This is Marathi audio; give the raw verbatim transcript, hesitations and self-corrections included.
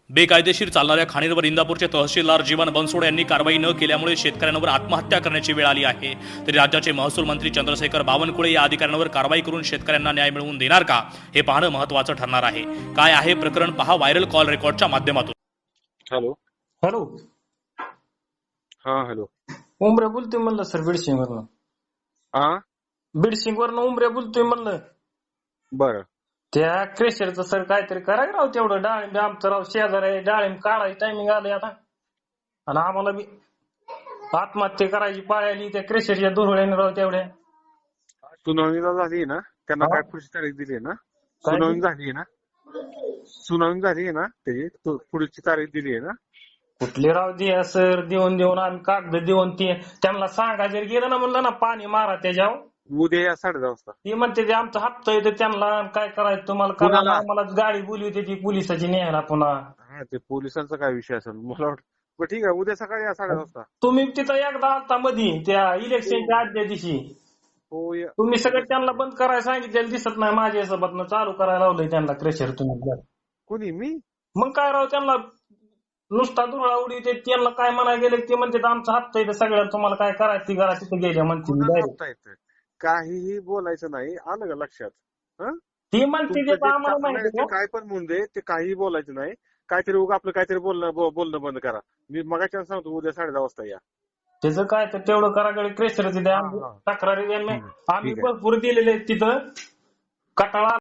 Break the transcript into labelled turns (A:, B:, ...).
A: बेकायदेशीर चालणाऱ्या खाणींवर इंदापूरचे तहसीलदार जीवन बनसोड यांनी कारवाई न केल्यामुळे शेतकऱ्यांवर आत्महत्या करण्याची वेळ आली आहे। तरी राज्याचे महसूल मंत्री चंद्रशेखर बावनकुळे या अधिकाऱ्यांवर कारवाई करून शेतकऱ्यांना न्याय मिळवून देणार का हे पाहणं महत्त्वाचं ठरणार आहे। काय आहे प्रकरण पहा व्हायरल कॉल रेकॉर्डच्या माध्यमातून।
B: हॅलो
C: हॅलो
B: हा हॅलो
C: उमरे बोलतोय म्हणलं सर बीडसिंग वरनं
B: हा
C: बीडसिंग वरनं उमरे बोलतोय म्हणलं
B: बरं
C: त्या क्रेशरचं सर काहीतरी करा राव तेवढं डाळिंब आमचं राव शेजार आहे डाळिंब काढायचं टायमिंग आलंय आता आणि आम्हाला बी आत्महत्या करायची पाळी आली त्या क्रेशरच्या दुरवळ्याने राव तेवढ्या
B: सुनावणीला झाली ना त्यांना काय पुढची तारीख दिली ना सुनावणी झाली ना सुनावणी झाली ना त्याची तो पुढची तारीख दिली आहे ना
C: कुठले राव द्या सर देऊन देऊन आम्ही कागद देऊन ते त्यांना सांगा जर गेलं ना म्हणलं ना पाणी मारा त्याच्यावर
B: उद्या या साडे दहा वाजता
C: ते म्हणते ते आमचा हप्ता येतो त्यांना काय करायचं तुम्हाला
B: कुणाला?
C: करा मला गाडी बोलवते ती पोलिसाची न्यायला पुन्हा
B: हा ते पोलिसांचा काय विषय असेल मला वाटतं बरं ठीक आहे उद्या सकाळी या साडे दहा वाजता
C: तुम्ही तिथं एकदा आलता मधी त्या इलेक्शनच्या आदल्या दिवशी
B: हो या
C: तुम्ही सगळं त्यांना बंद करायला सांगितलेलं दिसत नाही माझ्या हिशोबातनं चालू करायला लावलंय त्यांना क्रेशर तुम्ही
B: कोणी मी
C: मग काय राव त्यांना नुसता दुरळा उडी ते त्यांना काय म्हणायला गेले ते म्हणते आमचा हप्ता येतं सगळ्यांना तुम्हाला काय करायचं ती करा तिथे गेल्या म्हणते
B: कोणाला
C: direct.
B: हप्ता येतोय? काहीही बोलायचं नाही आलं का लक्षात हं?
C: ती म्हणते
B: तुमचं
C: ते
B: जे
C: आम्हाला
B: चाललंय
C: माहिती
B: ते काय पण म्हणून दे ते काहीही बोलायचं नाही काहीतरी उगा आपलं काहीतरी बोलणं बो- बोलणं बंद करा मी मगाच्या सांगतो उद्या साडे दहा वाजता या
C: त्याचं काय तर तेवढं कराकडे क्रेशर द्या
B: हा, हा.
C: तक्रारी द्या
B: ठीक आहे,
C: आम्ही
B: ठीक आहे.
C: भरपूर दिलेले आहेत तिथं कटाळा